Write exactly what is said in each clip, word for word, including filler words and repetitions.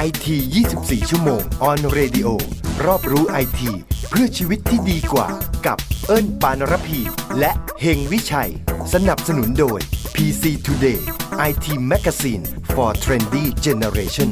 ที ยี่สิบสี่ ชั่วโมง on radio รอบรู้ไอทีเพื่อชีวิตที่ดีกว่ากับเอิ้นปานรพี และเฮงวิชัยสนับสนุนโดย พี ซี Today ไอ ที Magazine for Trendy Generation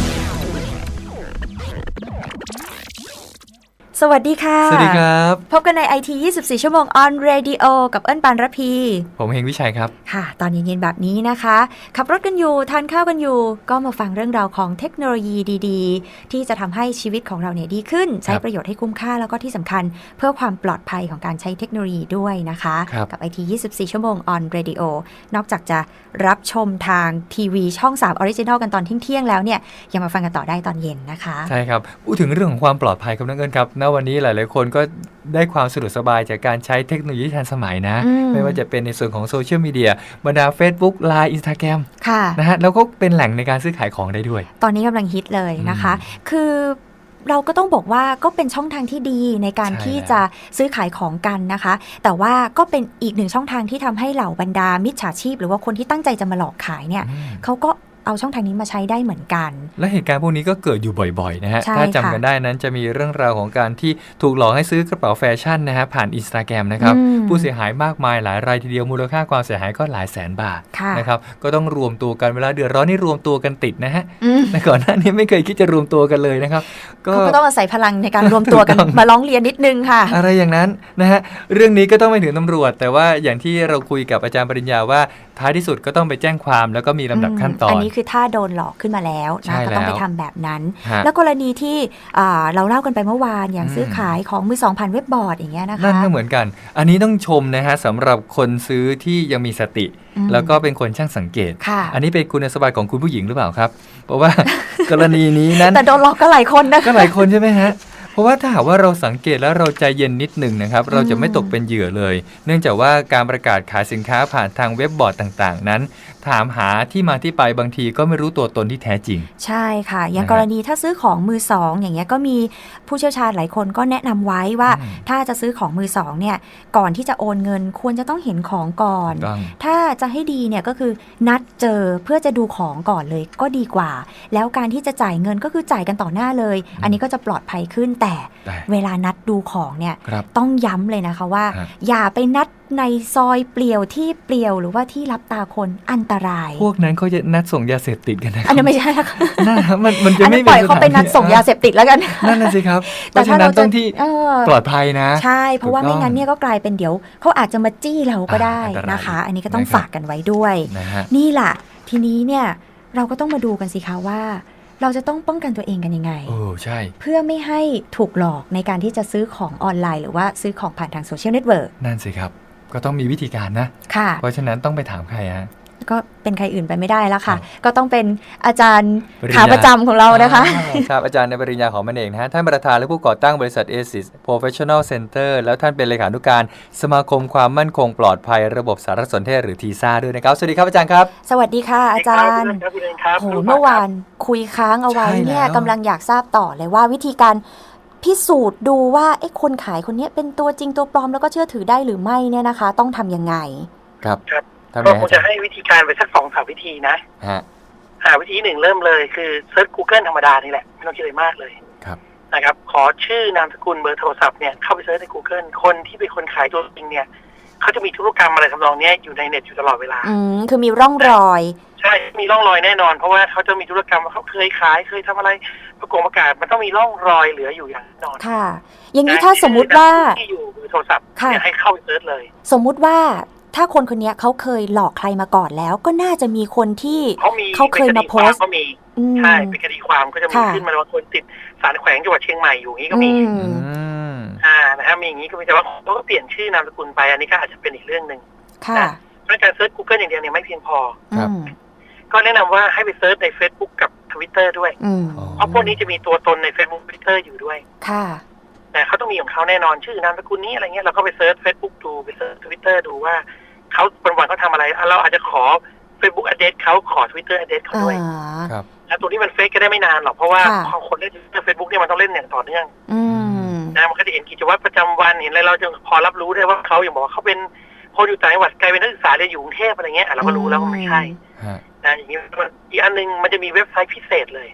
สวัสดีค่ะสวัสดีครับพบกันใน ไอ ที ยี่สิบสี่ ชั่วโมง on radio กับเอิ้นปานระพีผมเฮงวิชัยครับค่ะตอนเย็นๆแบบนี้นะคะขับรถกันอยู่ทานข้าวกันอยู่ก็มาฟังเรื่องราวของเทคโนโลยีดีๆที่จะทำให้ชีวิตของเราเนี่ยดีขึ้นใช้ประโยชน์ให้คุ้มค่าแล้วก็ที่สำคัญเพื่อความปลอดภัยของการใช้เทคโนโลยีด้วยนะคะกับ ไอ ที ยี่สิบสี่ ชั่วโมง on radio นอกจากจะรับชมทางทีวีช่องสาม Original กันตอนเที่ยงๆแล้วเนี่ยยังมาฟังกันต่อได้ตอนเย็นนะคะใช่ครับพูดถึงเรื่องของความปลอดภัยครับน้องเอิญครับณวันนี้หลายๆคนก็ได้ความสะดวกสบายจากการใช้เทคโนโลยีทันสมัยนะไม่ว่าจะเป็นในส่วนของโซเชียลมีเดียบรรดา Facebook ไลน์ Instagram ค่ะนะฮะแล้วก็เป็นแหล่งในการซื้อขายของได้ด้วยตอนนี้กำลังฮิตเลยนะคะคือเราก็ต้องบอกว่าก็เป็นช่องทางที่ดีในการที่จะซื้อขายของกันนะคะแต่ว่าก็เป็นอีกหนึ่งช่องทางที่ทำให้เหล่าบรรดามิจฉาชีพหรือว่าคนที่ตั้งใจจะมาหลอกขายเนี่ยเขาก็เอาช่องทางนี้มาใช้ได้เหมือนกันและเหตุการณ์พวกนี้ก็เกิดอยู่บ่อยๆนะฮะถ้าจำกันได้นั้นจะมีเรื่องราวของการที่ถูกหลอกให้ซื้อกระเป๋าแฟชั่นนะฮะผ่าน Instagram นะครับผู้เสียหายมากมายหลายรายทีเดียวมูลค่าความเสียหายก็หลายแสนบาทนะครับก็ต้องรวมตัวกันเวลาเดือดร้อนนี่รวมตัวกันติดนะฮะแต่ก่อนหน้านี้ไม่เคยคิดจะรวมตัวกันเลยนะครับก็ต้องอาศัยพลังในการรวมตัวกันมาร้องเรียนนิดนึงค่ะอะไรอย่างนั้นนะฮะเรื่องนี้ก็ต้องไปถึงตำรวจแต่ว่าอย่างที่เราคุยกับอาจารย์ปริญญาว่าท้ายที่สุดก็ต้องไปแจ้งความแล้วก็มีลำดับขั้นตอนอันนี้คือถ้าโดนหลอกขึ้นมาแล้วนะก็ต้องไปทำแบบนั้นแล้วกรณีที่เราเล่ากันไปเมื่อวานอย่างซื้อขายของมือสองผ่านเว็บบอร์ดอย่างเงี้ยนะคะนั่นก็เหมือนกันอันนี้ต้องชมนะฮะสำหรับคนซื้อที่ยังมีสติแล้วก็เป็นคนช่างสังเกตอันนี้เป็นคุณสมบัติของคุณผู้หญิงหรือเปล่าครับเพราะว่ากรณีนี้นั้นแต่โดนหลอกก็หลายคนนะก็หลายคนใช่ไหมฮะเพราะว่าถ้าหากว่าเราสังเกตแล้วเราใจเย็นนิดหนึ่งนะครับเราจะไม่ตกเป็นเหยื่อเลยเนื่องจากว่าการประกาศขายสินค้าผ่านทางเว็บบอร์ดต่างๆนั้นถามหาที่มาที่ไปบางทีก็ไม่รู้ตัวตนที่แท้จริงใช่ค่ะอย่างกรณีถ้าซื้อของมือสองอย่างเงี้ยก็มีผู้เชี่ยวชาญหลายคนก็แนะนำไว้ว่าถ้าจะซื้อของมือสองเนี่ยก่อนที่จะโอนเงินควรจะต้องเห็นของก่อนถ้าจะให้ดีเนี่ยก็คือนัดเจอเพื่อจะดูของก่อนเลยก็ดีกว่าแล้วการที่จะจ่ายเงินก็คือจ่ายกันต่อหน้าเลยอันนี้ก็จะปลอดภัยขึ้นแต่เวลานัดดูของเนี่ยต้องย้ำเลยนะคะว่าอย่าไปนัดในซอยเปลี่ยวที่เปลี่ยวหรือว่าที่รับตาคนอันตรายพวกนั้นเขาจะนัดส่งยาเสพติดกันนะอันนั้นไม่ใช่ค่ะนั่นมันมันจะไม่ปล่อยเขาไปนัดส่งยาเสพติดแล้วกันนั่นน่ะสิครับแต่ถ้าเราต้องที่ปลอดภัยนะใช่เพราะว่าไม่งั้นเนี่ยก็กลายเป็นเดี๋ยวเขาอาจจะมาจี้เราก็ได้นะคะอันนี้ก็ต้องฝากกันไว้ด้วยนี่แหละทีนี้เนี่ยเราก็ต้องมาดูกันสิคะว่าเราจะต้องป้องกันตัวเองกันยังไงโอ้ใช่เพื่อไม่ให้ถูกหลอกในการที่จะซื้อของออนไลน์หรือว่าซื้อของผ่านทางโซเชียลเน็ตเวิร์กนั่นสิครับก็ต้องมีวิธีการนะค่ะเพราะฉะนั้นต้องไปถามใครฮะก็เป็นใครอื่นไปไม่ได้แล้วค่ะก็ต้องเป็นอาจารย์ขาประจำของเรานะคะครับอาจารย์ในปริญญาของมันเองนะฮะท่านประธานและผู้ก่อตั้งบริษัท เอ ซิส Professional Center แล้วท่านเป็นเลขานุการสมาคมความมั่นคงปลอดภัยระบบสารสนเทศหรือ ที ซ่า ด้วยนะครับสวัสดีครับอาจารย์ครับสวัสดีค่ะอาจารย์โหเมื่อวานคุยค้างเอาไว้เนี่ยกำลังอยากทราบต่อเลยว่าวิธีการพิสูจน์ดูว่าไอ้คนขายคนนี้เป็นตัวจริงตัวปลอมแล้วก็เชื่อถือได้หรือไม่เนี่ยนะคะต้องทำยังไงครับก็คงจะให้วิธีการไปสักสองสามวิธีนะฮะอ่าวิธีหนึ่งเริ่มเลยคือเซิร์ช Google ธรรมดานี่แหละไม่ต้องคิดอะไรมากเลยครับนะครับขอชื่อนามสกุลเบอร์โทรศัพท์เนี่ยเข้าไปเซิร์ชใน Google คนที่เป็นคนขายตัวจริงเนี่ยเขาจะมีธุรกรรมอะไรทำนองนี้อยู่ในเน็ตอยู่ตลอดเวลาอืมคือมีร่องรอยใช่มีร่องรอยแน่นอนเพราะว่าเขาจะมีธุรกรรมว่าเขาเคยขายเคยทำอะไรประกอบประกาศมันต้องมีร่องรอยเหลืออยู่อย่างแน่นอนค่ะอย่างนี้ถ้าสมมุติว่าที่อยู่เบอร์โทรศัพท์เนี่ยให้เข้าไปเซิร์ชเลยสมมุติว่าถ้าคนคนนี้เขาเคยหลอกใครมาก่อนแล้วก็น่าจะมีคนที่เขาเคยมาโพสต์ก็มีใช่เป็นคดีความก็จะมีขึ้นมาว่าคนติดศาลแขวงจังหวัดเชียงใหม่อยู่งี้ก็มีอ่านะฮะมีอย่างนี้ก็มีแต่ว่าเขาก็เปลี่ยนชื่อนามสกุลไปอันนี้ก็อาจจะเป็นอีกเรื่องนึงค่ะเพราะการเซิร์ช Google อย่างเดียวเนี่ยไม่เพียงพอก็แนะนำว่าให้ไปเซิร์ชใน Facebook กับ Twitter ด้วยเพราะพวกนี้จะมีตัวตนใน Facebook Twitter อยู่ด้วยค่ะแต่เขาต้องมีของเขาแน่นอนชื่อนามสกุลนี้อะไรเงี้ยเราก็ไปเซิร์ช Facebook ดูไปเซิร์ช Twitter ดูว่าเขาวันวันเขาทำอะไรเราอาจจะขอ Facebook address เขาขอ Twitter address เขาด้วยครับแล้วตัวนี้มันเฟซก็ได้ไม่นานหรอกเพราะว่าพอคนเล่น Facebook เนี่ยมันต้องเล่นอย่างต่อเนื่องนะมันก็จะเห็นกิจวัตรประจำวันเห็นอะไรเราจะพอรับรู้ได้ว่าเขาอย่างบอกว่าเขาเป็นคนอยู่ต่างจังหวัดกลายเป็นนักศึกษาเรียนอยู่กรุงเทพอะไรเงี้ยเราก็รู้แล้วว่าไม่ใช่นะอย่างนี้อีกอันนึงมันจะมีเว็บไซต์พิเศษเลย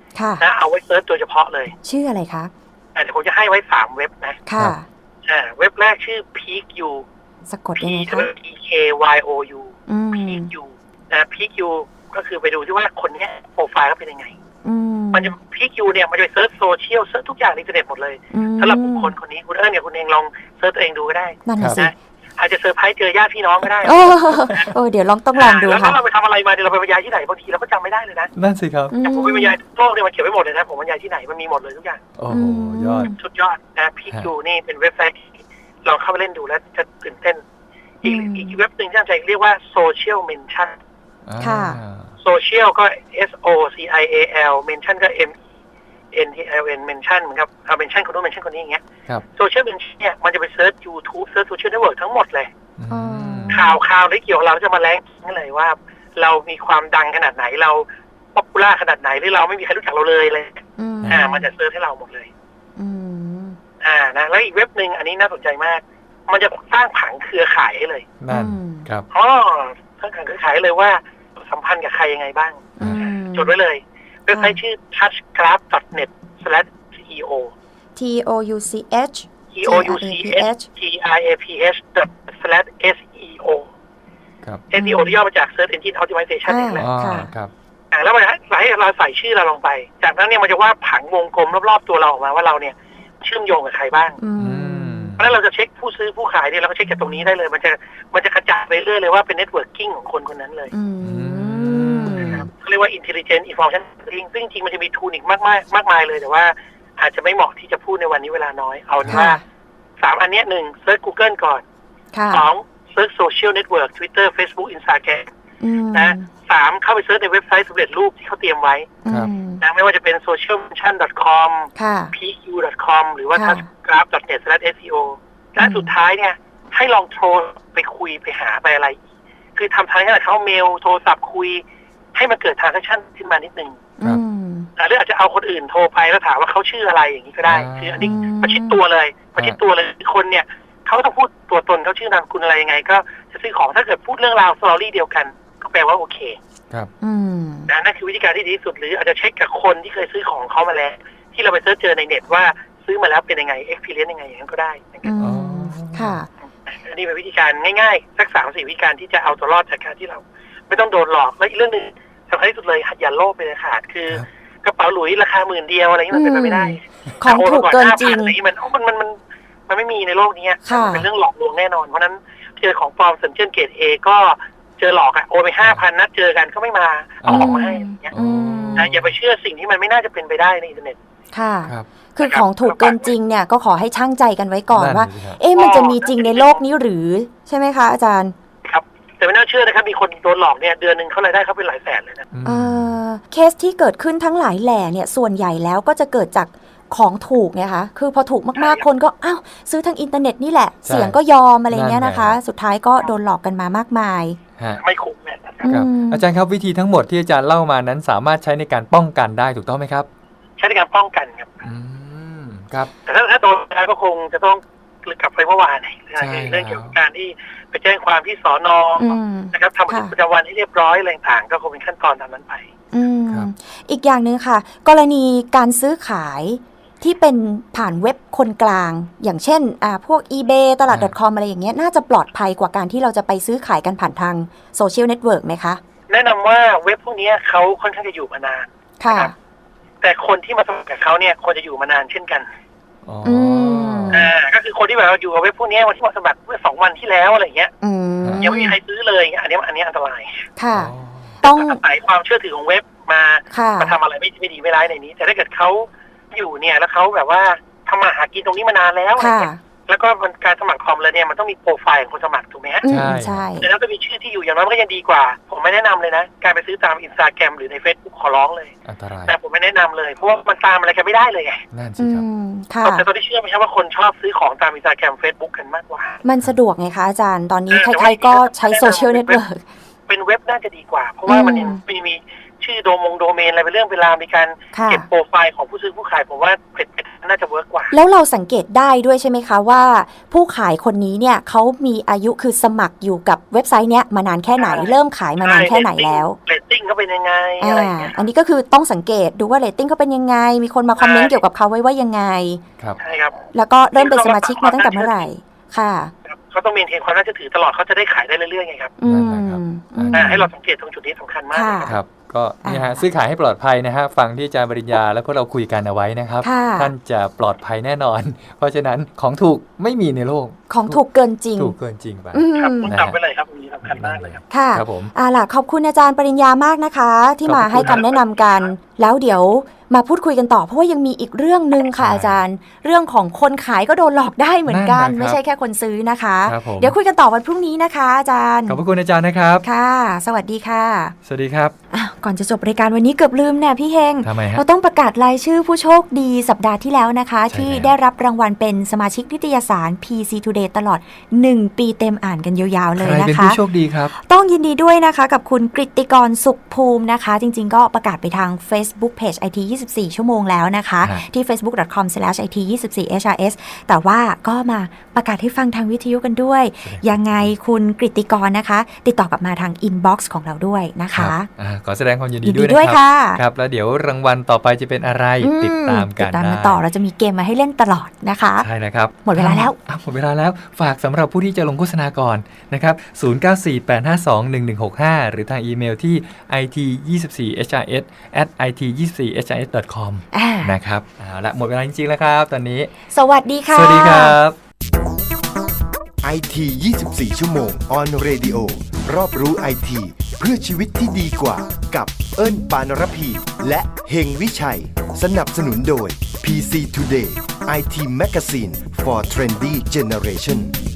นะเอาไว้เซิร์ชโดยเฉพาะเลยชื่ออะไรคะเดี๋ยวผมจะให้ไว้สามเว็บนะค่ะอ่าเว็บแรกชื่อ PeakU สะกดยังไงคะ P K Y O U PeakU นะ PeakU ก็คือไปดูที่ว่าคนนี้โปรไฟล์เขาเป็นยังไงมันจะ PeakU เนี่ยมันจะไปเซิร์ชโซเชียลเซิร์ชทุกอย่างในอินเทอร์เน็ตหมดเลยสำหรับบุคคลคนนี้คุณเอิญเนี่ยคุณเองลองเซิร์ชตัวเองดูก็ได้นะอาจจะเซอร์ไพรส์เจอญาติพี่น้องก็ได้โอ้เดี๋ยวลองต้องลองดูค่ะแล้วเราไปทำอะไรมาเดี๋ยวเราไปบรรยายที่ไหนบางทีเราก็จำไม่ได้เลยนะนั่นสิครับอย่างผมไปบรรยายโลกเนี่ยมันเขียนไว้หมดเลยนะผมบรรยายที่ไหนมันมีหมดเลยทุกอย่างโอ้โหยอดสุดยอดนะPeakUนี่เป็นเว็บไซต์ลองเข้าไปเล่นดูแล้วจะตื่นเต้นอีกอีกเว็บหนึ่งที่น่าสนใจเรียกว่า Social Mention ค่ะ Social ก็ S O C I A L Mention ก็ M N T L N Mention เหมือนกับเอา Mention คนนู้น Mention คนนี้อย่างเงี้ย Social Mention เนี่ยมันจะไปเซิร์ช YouTube เซิร์ช Social Network ทั้งหมดเลยข่าวข่าวที่เกี่ยวกับเราจะมาแรงนั่นเลยว่าเรามีความดังขนาดไหนเราป๊อปปูล่าขนาดไหนหรือเราไม่มีใครรู้จักเราเลยเลยอ่ามันจะเซิร์ชให้เราหมดเลยอ่านะแล้วอีกเว็บหนึ่งอันนี้น่าสนใจมากมันจะสร้างผังเครือข่ายให้เลยนั่นครับอ๋อสร้างผังเครือข่ายเลยว่าสัมพันธ์กับใครยังไงบ้างจดไว้เลยเว็บไซต์ชื่อ touch graph dot net slash C E O T O U C H T O U C H G R A P H dot slash S E O ครับ S E O ที่ย่อมาจาก Search Engine Optimization นี่แหละครับอ่าแล้วมันให้เราใส่ชื่อเราลงไปจากนั้นเนี่ยมันจะวาดผังวงกลมรอบๆตัวเราออกมาว่าเราเนี่ยเชื่อมโยงกับใครบ้างเพราะฉะนั้นเราจะเช็คผู้ซื้อผู้ขายเนี่ยเราก็เช็คจากตรงนี้ได้เลยมันจะมันจะกระจายไปเรื่อยเลยว่าเป็นเน็ตเวิร์กิ่งของคนคนนั้นเลยนะครับเขาเรียกว่า intelligent information marketing ซึ่งจริงมันจะมีทูลอีกมากมายมากมายเลยแต่ว่าอาจจะไม่เหมาะที่จะพูดในวันนี้เวลาน้อยเอาว่าสามอันนี้หนึ่งเซิร์ช Google ก่อนสองเซิร์ชโซเชียลเน็ตเวิร์ก Twitter Facebook Instagram นะสามเข้าไปเซิร์ชในเว็บไซต์สำเร็จรูปที่เขาเตรียมไว้นะไม่ว่าจะเป็น social mention dot com PeakU dot com หรือว่า touch graph dot net slash S E O และสุดท้ายเนี่ยให้ลองโทรไปคุยไปหาไปอะไรคือทำทางให้เขาเมลโทรศัพท์คุยให้มันเกิด transaction ขึ้นมานิดนึงหรืออาจจะเอาคนอื่นโทรไปแล้วถามว่าเขาชื่ออะไรอย่างนี้ก็ได้คืออันนี้ประชิดตัวเลยประชิดตัวเลยคนเนี่ยเขาต้องพูดตัวตนเขาชื่อนามคุณอะไรยังไงก็จะซื้อของถ้าเกิดพูดเรื่องราวสตอรี่เดียวกันก็แปลว่าโอเคครับนะนั่นคือวิธีการที่ดีที่สุดหรืออาจจะเช็คกับคนที่เคยซื้อของเขามาแล้วที่เราไปเสิร์ชเจอในเน็ตว่าซื้อมาแล้วเป็นยังไง experience ยังไงอย่างนั้นก็ได้นะครับค่ะอันนี้เป็นวิธีการง่ายๆสักสามสี่วิธีการที่จะเอาตัวรอดจากการที่เราไม่ต้องโดนหลอกและอีกเรื่องนึงสำคัญที่สุดเลยอย่าโลภไปเลยขาดคือกระเป๋าหลุยราคาหมื่นเดียวอะไรนี้มันเป็นไปไม่ได้ของถูกเกินจริงมันมันมันมันไม่มีในโลกนี้เป็นเรื่องหลอกลวงแน่นอนเพราะนั้นเจอของปลอมสัญชาติเกรด A ก็เจอหลอกอ่ะโอนไปห้าพันนัดเจอกันก็ไม่มาเอาของมาให้อย่างเงี้ยนะอย่าไปเชื่อสิ่งที่มันไม่น่าจะเป็นไปได้ในอินเทอร์เน็ตค่ะคือของถูกเกินจริงเนี่ยก็ขอให้ช่างใจกันไว้ก่อนว่าเอ๊ะมันจะมีจริงในโลกนี้หรือใช่ไหมคะอาจารย์ครับแต่ไม่น่าเชื่อนะครับมีคนโดนหลอกเนี่ยเดือนนึงเขารายได้เขาเป็นหลายแสนเลยนะเออเคสที่เกิดขึ้นทั้งหลายแหล่เนี่ยส่วนใหญ่แล้วก็จะเกิดจากของถูกไงคะคือพอถูกมากๆคนก็อ้าวซื้อทางอินเทอร์เน็ตนี่แหละเสียงก็ยอมอะไรเงี้ยนะคะสุดท้ายก็โดนหลอกกันมามากมายไม่คุ้มเนี่ยครับอาจารย์ครับวิธีทั้งหมดที่อาจารย์เล่ามานั้นสามารถใช้ในการป้องกันได้ถูกต้องไหมครับใช้ในการป้องกันครับอืมครับแต่ถ้าถ้าโดนแล้วก็คงจะต้องกลับไปเมื่อวานเรื่องเกี่ยวกับการที่ไปแจ้งความที่สน.นะครับทำบันทึกประจำวันให้เรียบร้อยอะไรต่างๆก็คงเป็นขั้นตอนตามนั้นไปอีกอย่างนึงค่ะกรณีการซื้อขายที่เป็นผ่านเว็บคนกลางอย่างเช่นอ่าพวก eBay ตลาด .com อะไรอย่างเงี้ยน่าจะปลอดภัยกว่าการที่เราจะไปซื้อขายกันผ่านทางโซเชียลเน็ตเวิร์กไหมคะแนะนำว่าเว็บพวกนี้เขาค่อนข้างจะอยู่มานานค่ะแต่คนที่มาสมัครกับเขาเนี่ยควรจะอยู่มานานเช่นกันอ๋ออ่าก็คือคนที่แบบอยู่กับเว็บพวกนี้วันที่มาสมัครเมื่อสองวันที่แล้วอะไรเงี้ยยังไม่มีใครซื้อเลยอันนี้อันนี้อันตรายค่ะต้องอาศัยความเชื่อถือของเว็บมามาทำอะไรไม่ไม่ดีไม่ร้ายในนี้แต่ถ้าเกิดเขาอยู่เนี่ยแล้วเขาแบบว่าทำมาหากินตรงนี้มานานแล้วแล้วก็มันการสมัครคอมเลยเนี่ยมันต้องมีโปรไฟล์ของคนสมัครถูกไหมฮะใช่ใช่แล้วก็มีชื่อที่อยู่อย่างน้อยมันก็ยังดีกว่าผมไม่แนะนำเลยนะการไปซื้อตาม Instagram หรือใน Facebook ขอร้องเลยอันตรายแต่ผมไม่แนะนำเลยเพราะว่ามันตามอะไรกันไม่ได้เลยไงนั่นสิครับแต่ตอนที่เชื่อไหมครับว่าคนชอบซื้อของตาม Instagram Facebook กันมากกว่ามันสะดวกไงคะอาจารย์ตอนนี้ใครๆก็ใช้โซเชียลเน็ตเวิร์กเป็นเว็บน่าจะดีกว่าเพราะว่ามันมีชื่ชื่อโดมงโดเมนอะไรเป็นเรื่องเวลามีการเก็บโปรไฟล์ของผู้ซื้อผู้ขายผมว่าเพจน่าจะเวิร์กกว่าแล้วเราสังเกตได้ด้วยใช่ไหมคะว่าผู้ขายคนนี้เนี่ยเขามีอายุคือสมัครอยู่กับเว็บไซต์เนี้ยมานานแค่ไหนเริ่มขายมานานแค่ไหนแล้วเรตติ้งเขาเป็นยังไงอะไรอย่างเงี้ยอันนี้ก็คือต้องสังเกตดูว่าเรตติ้งเขาเป็นยังไงมีคนมาคอมเมนต์เกี่ยวกับเขาไว้ว่ายังไงครับใช่ครับแล้วก็เริ่มเป็นสมาชิกมาตั้งแต่เมื่อไหร่ค่ะเขาต้องมีเทนความน่าเชื่อถือตลอดเขาจะได้ขายได้เรื่อยๆไงครับอืมให้เราสังเกตตรงจุดนี้สำคัญมากครับก็นี่ฮะซื้อขายให้ปลอดภัยนะฮะฟังที่อาจารย์ปริญญาและพวกเราคุยกันเอาไว้นะครับท่านจะปลอดภัยแน่นอนเพราะฉะนั้นของถูกไม่มีในโลกของถูกเกินจริงถูกเกินจริงไปครับคุณจำไว้เลยครับนี้สำคัญมากเลยครับค่ะครับผมอ่าล่ะขอบคุณอาจารย์ปริญญามากนะคะที่มาให้คำแนะนำกันแล้วเดี๋ยวมาพูดคุยกันต่อเพราะว่ายังมีอีกเรื่องนึงค่ะอาจารย์เรื่องของคนขายก็โดนหลอกได้เหมือนกันไม่ใช่แค่คนซื้อนะคะเดี๋ยวคุยกันต่อวันพรุ่งนี้นะคะอาจารย์ขอบคุณอาจารย์นะครับค่ะสวัสดีค่ะสวัสดีครับก่อนจะจบรายการวันนี้เกือบลืมเนี่ยพี่เฮงเราต้องประกาศรายชื่อผู้โชคดีสัปดาห์ที่แล้วนะคะที่ได้รับรางวัลเป็นสมาชิกนิตยสาร พี ซี Today ตลอดหนึ่งปีเต็มอ่านกันยาวๆเลยนะคะใครเป็นผู้โชคดีครับต้องยินดีด้วยนะคะกับคุณกฤติกรสุขภูมินะคะจริงๆก็ประกาศไปทาง Facebook Page ไอ ที ยี่สิบสี่ ชั่วโมงแล้วนะคะที่ เฟซบุ๊ก ดอท คอม สแลช ไอ ที ยี่สิบสี่ เอช อาร์ เอส แต่ว่าก็มาประกาศให้ฟังทางวิทยุกันด้วยยังไงคุณกฤติกรนะคะติดต่อกลับมาทางอินบ็อกซ์ของเราด้วยนะคะขอแสดงความยินดีด้วยนะครับครับแล้วเดี๋ยวรางวัลต่อไปจะเป็นอะไรติดตามกันติดตามกันต่อเราจะมีเกมมาให้เล่นตลอดนะคะใช่นะครับหมดเวลาแล้วหมดเวลาแล้วฝากสำหรับผู้ที่จะลงโฆษณาก่อนนะครับศูนย์ เก้า สี่ แปด ห้า สอง หนึ่ง หนึ่ง หก ห้าหรือทางอีเมลที่ ไอ ที ยี่สิบสี่ เอช อาร์ เอส แอท ไอ ที ยี่สิบสี่ เอช อาร์ เอส ดอท คอม นะครับเอาละหมดเวลาจริงๆแล้วครับตอนนี้สวัสดีค่ะสวัสดีครับไอ ที ยี่สิบสี่ ชั่วโมง on radio รอบรู้ไอทีเพื่อชีวิตที่ดีกว่ากับเอิ้นปานรพี และเฮงวิชัยสนับสนุนโดย พี ซี Today ไอ ที Magazine for Trendy Generation